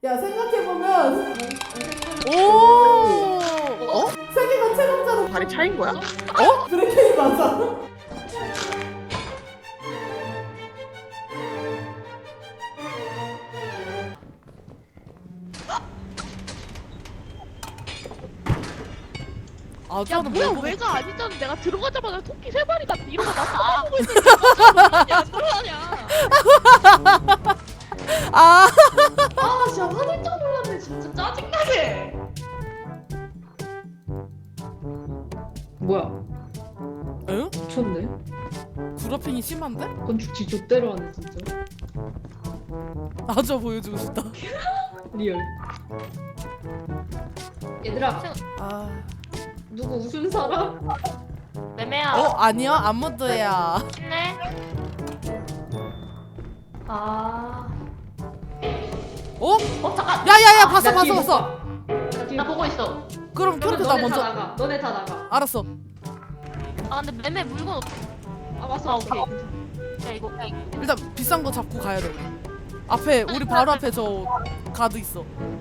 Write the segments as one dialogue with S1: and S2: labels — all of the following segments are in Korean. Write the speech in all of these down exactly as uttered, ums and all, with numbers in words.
S1: 야 생각해보면
S2: 오. 어?
S1: 세계가 체감자로
S3: 발이 차인 거야?
S2: 어?
S1: 브레이킹 맞아.
S2: 아,
S3: 야
S2: 저는
S3: 뭐야
S2: 뭐
S3: 왜가 아니잖아. 내가 들어가자마자 토끼 세 마리 다 이러고 나 쳐다보고 있는데 안 들어가냐.
S2: 아,
S3: 아 진짜 화들짝 놀랐네. 진짜 짜증나게.
S4: 뭐야?
S2: 응?
S4: 미쳤네.
S2: 구라핑이 심한데?
S4: 건축 지족대로 하네 진짜.
S2: 나저 보여주고 싶다.
S4: 리얼. 얘들아,
S2: 아,
S4: 누구 웃음 사람?
S3: 매매야.
S2: 어 아니야 아무도야.
S3: 힘내.
S4: 아.
S2: 어?
S3: 어 잠깐.
S2: 야야야 봤어
S4: 나
S2: 봤어
S4: 뒤에
S2: 봤어.
S4: 나 뒤에
S3: 나 보고 있어.
S2: 그럼
S4: 그러면
S2: 그렇게 나
S4: 너네
S2: 먼저.
S4: 다 나가. 너네 다 나가.
S2: 알았어.
S3: 아 근데 매매 물건 없.
S4: 아 맞어.
S3: 아 오케이. 야 이거 야, 이거.
S2: 일단 비싼 거 잡고 가야 돼. 우리. 앞에 우리 바로 앞에 저 가드 있어.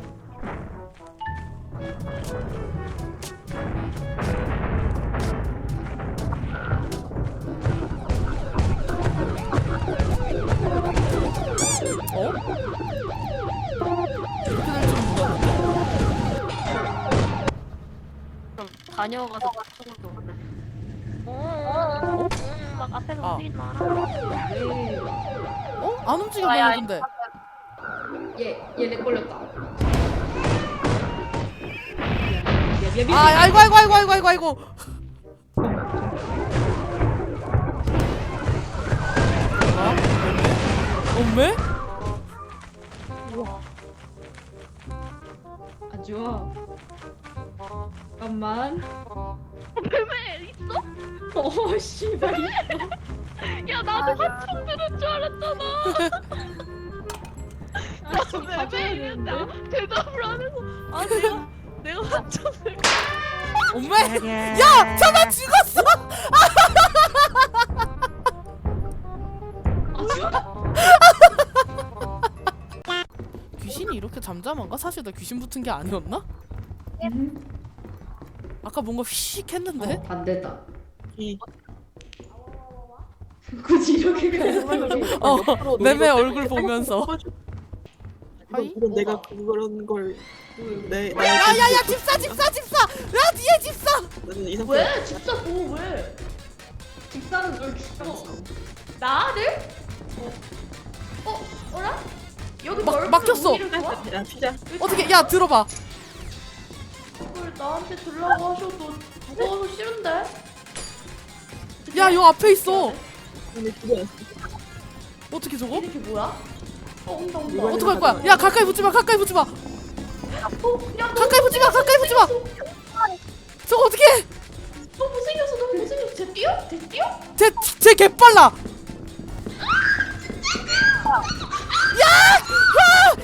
S2: 어? 이렇게 될 줄은 몰랐는데.
S3: 그럼 다녀가서 쪽으로 오네. 어? 막 앞에서
S2: 아.
S3: 움직이지 마라.
S4: 네.
S2: 어? 안 움직여
S3: 아, 야,
S2: 너네 근데.
S4: 얘얘내 걸렸다. 미안, 미안, 미안,
S2: 아 아이고 아이고 아이고 아이고 아이고 아이고. 뭐야? 엄매?
S4: 아 좋아. 잠깐만.
S3: 매매 있어?
S4: 어 씨발.
S3: 야 나도 한참 들은 줄 알았잖아.
S4: 아, 좀
S3: 나
S4: 가져야
S3: 매매
S4: 되는데.
S3: 있는데 대답을 안 해서 아 내가 내가 한참 들.
S2: 엄매? 야! 저나 죽었어! 귀신이 이렇게 잠잠한가? 사실 나 귀신 붙은 게 아니었나?
S4: 음.
S2: 아까 뭔가 휘식 했는데?
S4: 안 됐다.
S3: 이.
S4: 굳이 이렇게 가는
S2: 어, 매매 얼굴 보면서. 하이?
S5: 이건 내가 그런 걸 내, 나
S2: 야야야 집사 집사 집사! 야 뒤에 집사!
S5: 나는 이상
S4: 왜? 집사 뭐 왜? 집사는 널 죽여. 나를? 어? 어? 어라? 여기
S2: 막-
S4: 넓은
S2: 막혔어.
S4: 우리를 도와?
S5: 야 피자
S2: 어떻게 야 들어봐.
S4: 그걸 나한테 들라고 하셔도 무거워서 싫은데?
S2: 야 요 앞에 있어.
S5: 오늘 집에
S2: 어떻게 저거?
S4: 이게 뭐야? 어 온다 온다.
S5: 이거는
S2: 어떡할 거야? 야 가까이 붙지 마 가까이 붙지 마.
S4: 어, 야, 너
S2: 가까이 붙지 마 가까이 붙지 마. 저거 어떻게 해?
S4: 너무 못생겼어 너무 못생겼어. 쟤 뛰어? 쟤 뛰어?
S2: 쟤쟤 개빨라. 야! 아!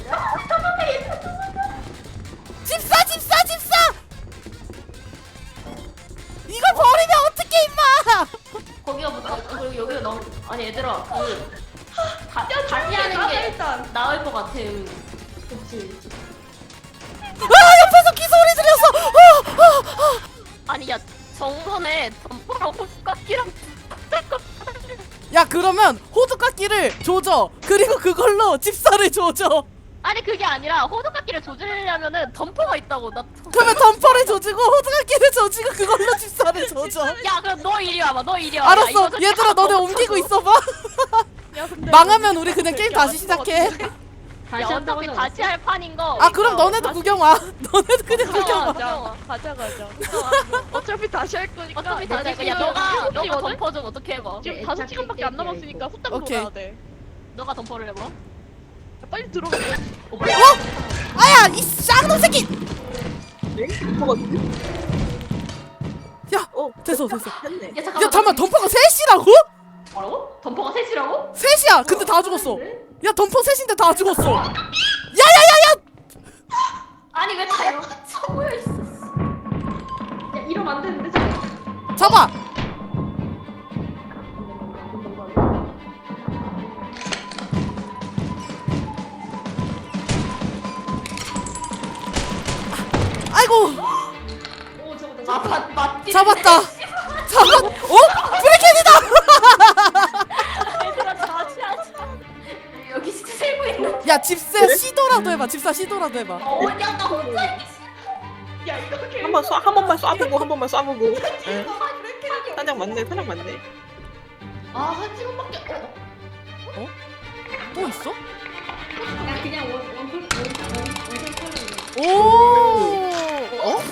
S2: 집사 집사 집사! 이거 버리면 어떡해 임마!
S3: 거기가 뭐 그리고 여기가 너무 아니 얘들아 그 다, 다시
S4: 나가,
S3: 하는 게
S4: 일단.
S3: 나을 것 같아.
S4: 그치.
S2: 아 옆에서 기 소리 들렸어. 어, 어, 어.
S3: 아니 야 정선에 덤퍼랑 호수깎이랑
S2: 야 그러면 호두깎이를 조져. 그리고 그걸로 집사를 조져.
S3: 아니 그게 아니라 호두깎이를 조지려면은 덤퍼가 있다고 나.
S2: 그러면 덤퍼를 조지고 호두깎이를 조지고 그걸로 집사를 조져.
S3: 야 그럼 너 이리 와봐 너 이리 와봐. 야,
S2: 알았어.
S3: 이거 솔직히
S2: 얘들아
S3: 하나도
S2: 너네
S3: 못
S2: 옮기고
S3: 쳐줘.
S2: 있어봐.
S3: 야, 근데
S2: 망하면 우리 그냥 게임 다시 시작해.
S4: 다시
S3: 야
S4: 한다고
S3: 어차피
S4: 하지
S3: 다시 할 판인 거.
S2: 아 그럼 너네도 구경 와. 너네도 그냥 구경 와.
S3: 가자
S6: 가자 가자. 어차피 다시 할 거니까.
S3: 어차피 다시 할 거야. 야
S6: 지금
S3: 너가
S6: 시간
S3: 너가
S6: 시거든?
S3: 덤퍼 좀 어떻게 해봐.
S6: 지금
S4: 네,
S6: 다섯
S4: 애착
S6: 시간밖에 안
S4: 깰게요,
S6: 남았으니까
S4: 이거.
S6: 후딱
S2: 오케이.
S6: 놀아야 돼.
S3: 너가 덤퍼를 해봐.
S6: 야, 빨리 들어가.
S2: 아야 이 쌍놈 새끼.
S5: 뭐가
S2: 야
S5: 어
S2: 됐어 됐어.
S5: 했네.
S3: 야 잠깐만.
S2: 야 잠만 덤퍼가 셋이라고?
S3: 뭐라고? 덤퍼가 셋이라고?
S2: 셋이야. 근데 다 죽었어. 야 덤퍼 셋인데 다 죽었어. 야야야야.
S3: 아니 왜 다 여기 모여 있어?
S4: 야 이러면 안 되는데 저.
S2: 잡아. 아이고
S4: 오 저거다.
S1: 아, 맞, 맞지?
S2: 잡았다. 잡았. 어? 브레켄이다.
S1: 얘들아, 자취하자. 여기 진짜 살고 있는.
S2: 야 집사 시도라도 해봐. 집사 시도라도 해봐.
S1: 어, 야, 나 혼자 있기
S4: 야 이렇게.
S5: 한번 쏴, 한 번만 쏴보고 한 번만 쏴보고.
S1: 싫어.
S5: 예.
S1: 아, 그렇게 하기.
S5: 사냥 맞네, 사냥 맞네.
S1: 아, 한 시간밖에. 어?
S2: 또 있어?
S4: 나 그냥 원 원풀 원원원 컬러.
S2: 오. 어?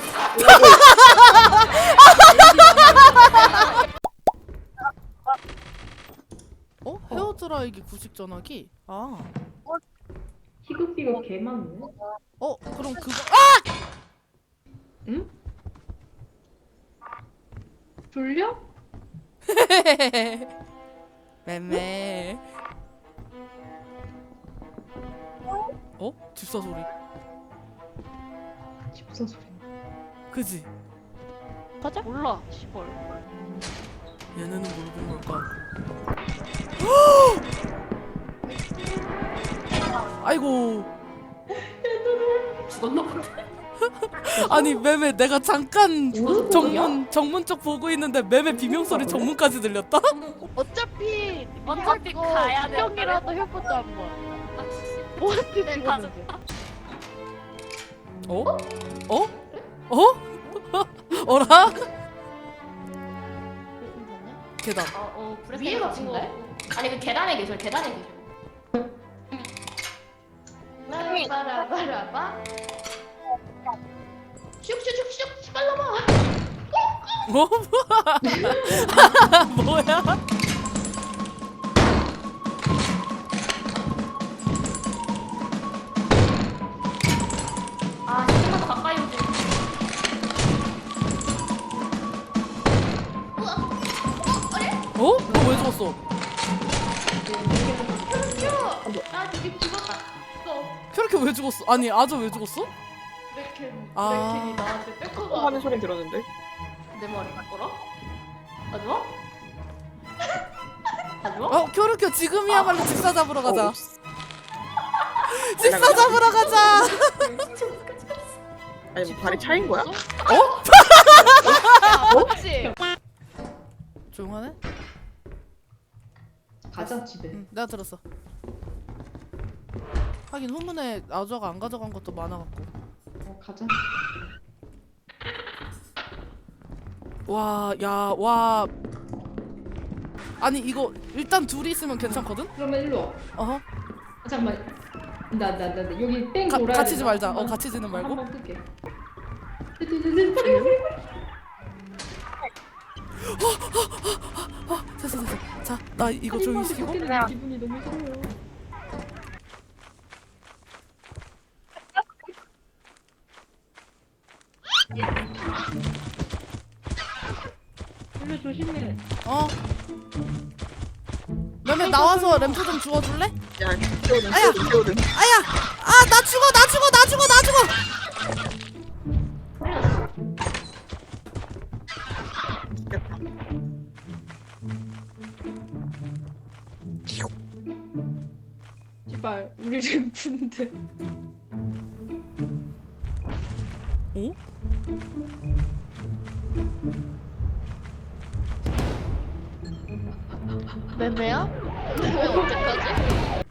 S2: 어? 헤어드라이기 구식 전화기? 아.
S4: 희극비가 개 많네.
S2: 어 그럼 그거
S4: 졸려?
S2: 맴매. 어? 집사 소리.
S4: 집사 소리.
S2: 그지?
S3: 가자. 몰라. 시벌.
S2: 얘네는 모르는 걸까? 아이고.
S1: 죽었나 본데?
S2: 아니 매매 내가 잠깐
S1: 죽어서
S2: 정문 정문 쪽 보고 있는데 매매 비명 소리 정문까지 들렸다?
S3: 어차피
S1: 어차피
S3: 이거
S1: 가야 돼.
S3: 구경이라도 해보자 한번. 뭐한테
S1: 네,
S3: 죽었는데?
S2: 어? 어? 어? 어라? 계단.
S1: 어, 어, 위에 같은데? 아니, 그 계단에 계셔, 계단에 계셔. 바라바라바. 슉슉슉슉 빨라봐.
S2: 뭐? 뭐야?
S1: 아, 조금만 더 가까이 오지. 우와. 어, 어래?
S2: 어? 너 왜 죽었어?
S1: 나 저기 죽었다. 또
S2: 그렇게 왜 죽었어? 아니 아저 왜 죽었어?
S1: 브레켄,
S2: 아.
S1: 브레켄이 나한테
S5: 어
S1: 백허가
S5: 하는 소리 들었는데.
S1: 내 머리 뭐라? 아주아? 아주아?
S2: 어 쿄르쿄 지금이야말로 집사 잡으러 가자.
S5: 어,
S2: 집사 잡으러 가자.
S5: 아니 뭐 발이 차인 거야?
S3: 없지.
S2: 조용하네?
S4: 가자 집에.
S2: 응 내가 들었어. 하긴 후문에 아저가 안 가져간 것도 많아갖고.
S4: 어 가자.
S2: 와, 야, 와. 아니 이거 일단 둘이 있으면 괜찮거든?
S4: 그러면 일로 와.
S2: 어허.
S4: 아, 잠깐만. 나 나 나 여기 땡
S2: 가,
S4: 돌아야
S2: 갇히지
S4: 되나?
S2: 말자. 어,
S4: 한번-
S2: 갇히지는 말고.
S4: 한번 끌게.
S2: 됐어, 됐어. 자, 나 이거 조용히 시키고.
S4: 기분이 너무 싫어요. 원래 조심해.
S2: 어. 너네 나와서 램프 좀 주워줄래?
S5: 야, 태우든
S2: 아야!
S5: 태우든 태우든.
S2: 아야! 아, 나 죽어, 나 죽어, 나 죽어, 나 죽어!
S5: 죽겠다.
S4: 제발 우리 램프인데.
S2: 어?
S3: 매매야? 매매 어떡하지?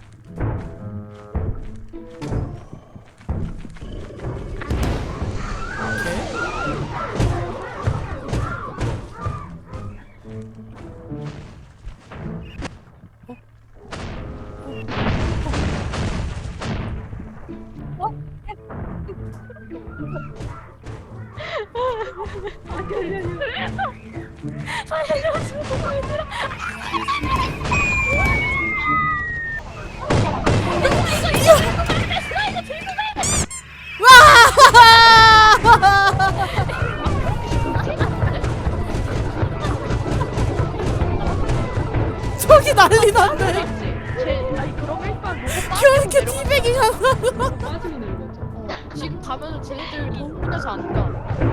S2: 저기 난리 났네.
S3: 제 아니 그럼 일단 로고
S2: 큐르큐 티백이잖아.
S4: 빠지고 내려가자.
S3: 어, 지금 가면은 쟤네들 흥분해서 안 가.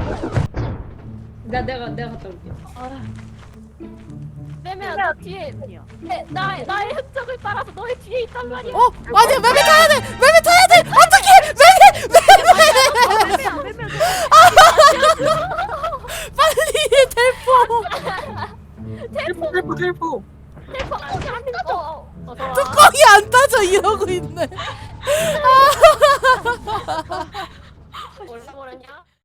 S4: 나 내가 내가 갔다 올게.
S1: 매매야, 너 뒤에. 내, 나, 나의 흔적을 따라서 너의 뒤에 있단 말이야.
S2: 어? 아니야, 매매 타야 돼! 매매 타야 돼! 어떡해! 매매! 매매!
S3: 매매야 매매야.
S5: 어.
S1: 헬퍼 안 따져. 어서 와.
S2: 뚜껑이 안 따져 이러고 있네.